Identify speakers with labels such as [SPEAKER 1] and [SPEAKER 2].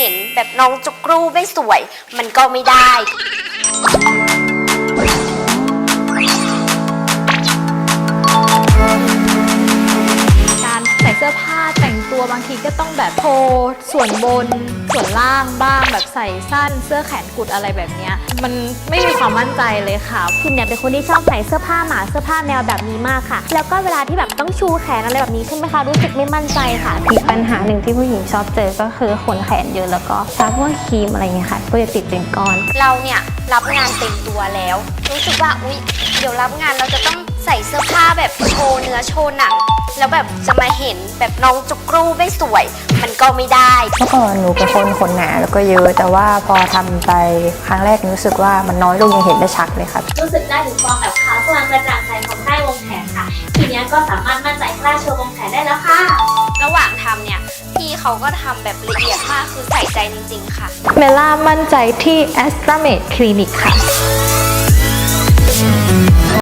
[SPEAKER 1] ห็นแบบน้องจุกรูไม่สวยมันก็ไม่ได้
[SPEAKER 2] ใส่เสื้อผ้าแต่งตัวบางทีก็ต้องแบบโชว์ส่วนบนส่วนล่างบ้างแบบใส่สั้นเสื้อแขนกุดอะไรแบบนี้มันไม่มีความมั่นใจเลยค่ะ
[SPEAKER 3] พิมเนี่ยเป็นคนที่ชอบใส่เสื้อผ้าหมาเสื้อผ้าแนวแบบนี้มากค่ะแล้วก็เวลาที่แบบต้องชูแขนอะไรแบบนี้ใช่ไหมคะรู้สึกไม่มั่นใจค่ะ
[SPEAKER 4] อีกปัญหาหนึ่งที่ผู้หญิงชอบเจอก็คือขนแขนเยอะแล้วก็ทาพวกครีมอะไรเงี้ยค่ะก็จะติดเป็นก้อน
[SPEAKER 1] เราเนี่ยรับงานเต็มตัวแล้วรู้สึกว่าอุ๊ยเดี๋ยวรับงานเราจะต้องใส่เสื้อผ้าแบบโชว์เนื้อโชว์หนังแล้วแบบจะมาเห็นแบบน้องจุกรูไม่สวยมันก็ไม่ได้
[SPEAKER 4] เมื่อก่อนหนูเป็นคนขนหนาแล้วก็เยอะแต่ว่าพอทำไปครั้งแรกรู้สึกว่ามันน้อยลงยังเห็นได้ชัดเลยค่ะ
[SPEAKER 3] รู้สึกได้ถึงความแบบขาวสว่างกระจ่างใสของใต้วงแขนค่ะทีนี้ก็สามารถมั่นใจกล้าโชว์วงแขนได้แล้วค่ะ
[SPEAKER 1] ระหว่างทำเนี่ยพี่เขาก็ทำแบบละเอียดมากคือใส่ใจจริงๆค่ะ
[SPEAKER 2] เมล่ามั่นใจที่ Astramed Clinic ค่ะ